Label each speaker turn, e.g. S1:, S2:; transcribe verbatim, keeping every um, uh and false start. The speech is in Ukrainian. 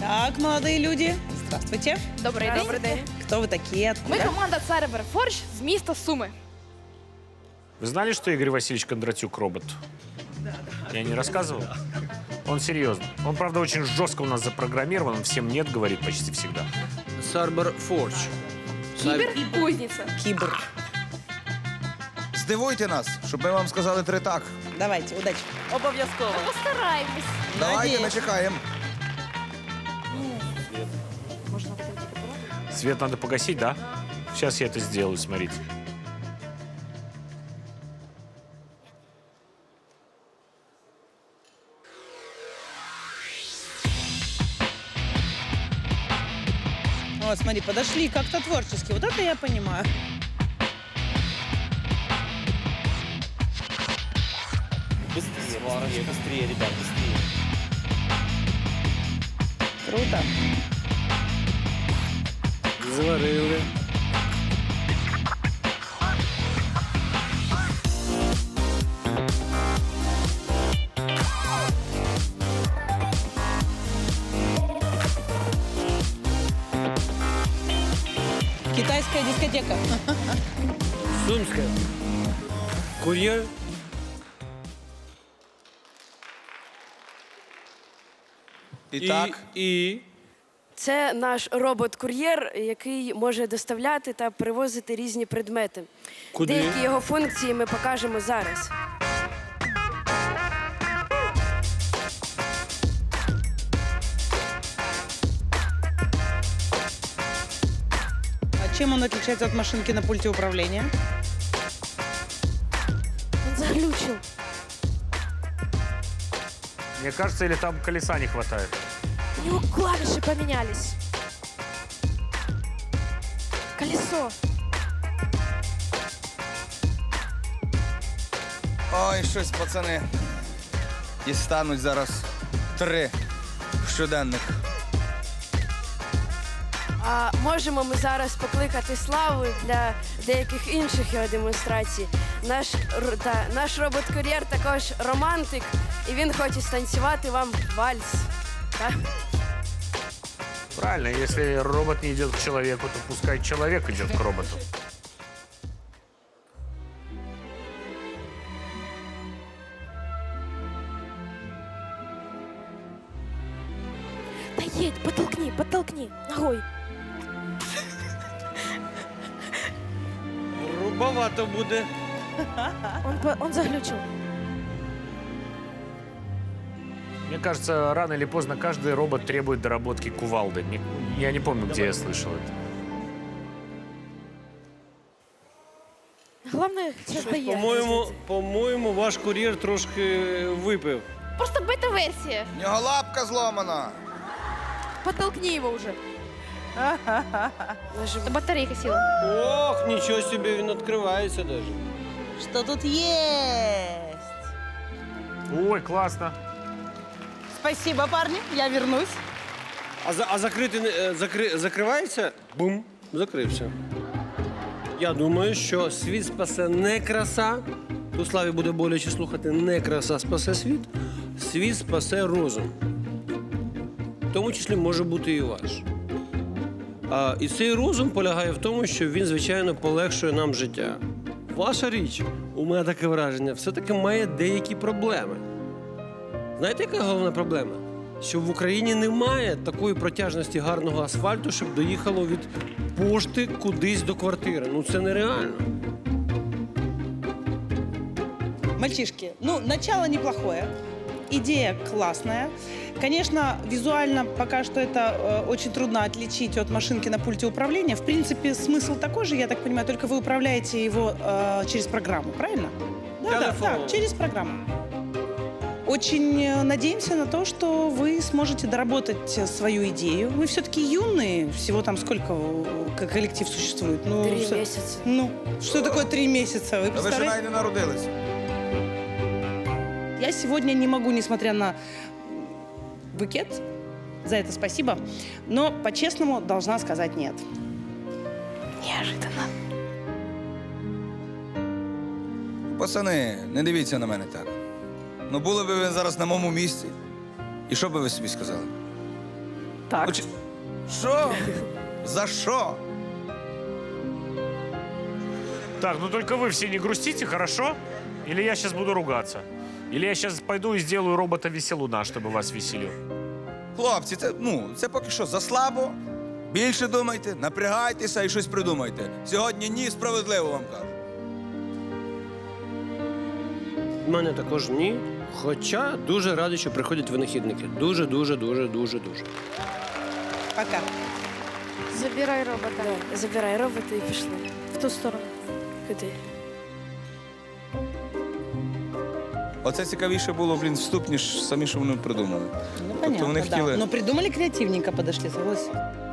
S1: Так, молодые люди, здравствуйте.
S2: Добрий день.
S3: Добрий день.
S1: Кто вы такие, откуда?
S2: Ми команда Цербер Форш з міста Суми.
S4: Вы знали, что Игорь Васильевич Кондратюк робот? Да, да. Я не рассказывал? Он серьезно. Он, правда, очень жестко у нас запрограммирован, он всем нет говорит почти всегда.
S5: Сарбер Форч.
S2: Кібер і кузниця.
S1: Кибр.
S6: Здивуйте нас, щоб ми вам сказали три так.
S1: Давайте, удачи.
S3: Обов'язково.
S2: Ми постараємось.
S6: Давайте,
S1: Надіюсь.
S6: ми чекаємо.
S4: Свет надо погасить, да? Сейчас я это сделаю, смотрите.
S1: Вот, смотри, подошли как-то творчески. Вот это я понимаю.
S7: Быстрее, быстрее, быстрее, ребят, быстрее.
S1: Круто.
S5: Зварили.
S1: Китайская дискотека.
S5: Сумська. Кур'єр.
S6: І так,
S5: І...
S3: Це наш робот-кур'єр, який може доставляти та перевозити різні предмети.
S5: Куди?
S3: Деякі його функції ми покажемо зараз.
S1: А чем он отличается от машинки на пульте управления?
S2: Він заглючив.
S4: Мне кажется, или там колеса не хватает.
S2: У нього клавіші помінялись. Колесо.
S6: ой, щось, пацани. Дістануть зараз три щоденних.
S3: А можемо ми зараз покликати Славу для деяких інших його демонстрацій. Наш, р- та, наш робот-кур'єр також романтик, і він хоче станцювати вам вальс. Так?
S4: Правильно, если робот не идет к человеку, то пускай человек идет к роботу.
S2: Та їдь, подтолкни, подтолкни. Ногой.
S5: Грубовато буде.
S2: Он, по- он заглючив.
S4: Мне кажется, рано или поздно каждый робот требует доработки кувалды. Не- Я не помню, где я слышал это.
S2: Головне, що здає.
S5: По-моєму, по-моєму, ваш кур'єр трошки випив.
S2: Просто бета-версія.
S6: В нього лапка зломана.
S2: Подтолкни его уже.
S3: Нажимай.
S2: Батарейка сіла.
S5: Ох, нічого собі, він відкривається навіть.
S1: Что тут есть?
S4: Ой, классно.
S1: Спасибо, парни, я вернусь.
S5: А, за, а закрити, не- е, закри, закривається? Бум, закрився. Я думаю, що світ спасе не краса. Тут Славі буде боляче слухати, не краса спасе світ. Світ спасе розум. В тому числі може бути і ваш. А, і цей розум полягає в тому, що він, звичайно, полегшує нам життя. Ваша річ, у мене таке враження, все-таки має деякі проблеми. Знаєте, яка головна проблема? Що в Україні немає такої протяжності гарного асфальту, щоб доїхало від пошти кудись до квартири. Ну це нереально.
S1: Мальчишки, ну, начало неплохое, идея классная. Конечно, визуально пока что это э, очень трудно отличить от машинки на пульте управления. В принципе, смысл такой же, я так понимаю, только вы управляете его э, через программу, правильно? Да, да,
S5: Телефон.
S1: да, через программу. Очень э, надеемся на то, что вы сможете доработать э, свою идею. Вы все-таки юные, всего там сколько э, к- коллектив существует? Ну,
S3: Три
S1: что-
S3: місяці.
S1: Ну, что такое три месяца? Вы
S6: Та ви ще
S1: представляете?
S6: навіть не народилися.
S1: Я сегодня не могу, несмотря на букет, за это спасибо, но по-честному должна сказать нет.
S2: Неожиданно.
S6: Пацани, не дивіться на мене так. Ну були б ви зараз на моєму місці. І що би ви собі сказали?
S1: Так.
S6: Ну, чи- Що? За що?
S4: Так, ну только вы все не грустите, хорошо? Или я сейчас буду ругаться? Или я сейчас пойду и сделаю робота-веселуна, чтобы вас веселил?
S6: Хлопці, це, ну, це поки що заслабо. Більше думайте, напрягайтеся і щось придумайте. Сьогодні ні, справедливо вам кажу.
S5: У мене також ні. Хоча дуже радий, що приходять винахідники. Дуже, дуже, дуже, дуже, дуже.
S1: Пока.
S2: Забирай робота.
S3: Да, забирай робота і пішли.
S2: В ту сторону.
S3: Куди?
S6: Оце цікавіше було, блін, вступ, ніж самі, що вони придумали.
S1: Ну,
S6: Тобто вони
S1: понятно, да.
S6: хотіли-
S1: Но придумали креативненько, подошли, согласен.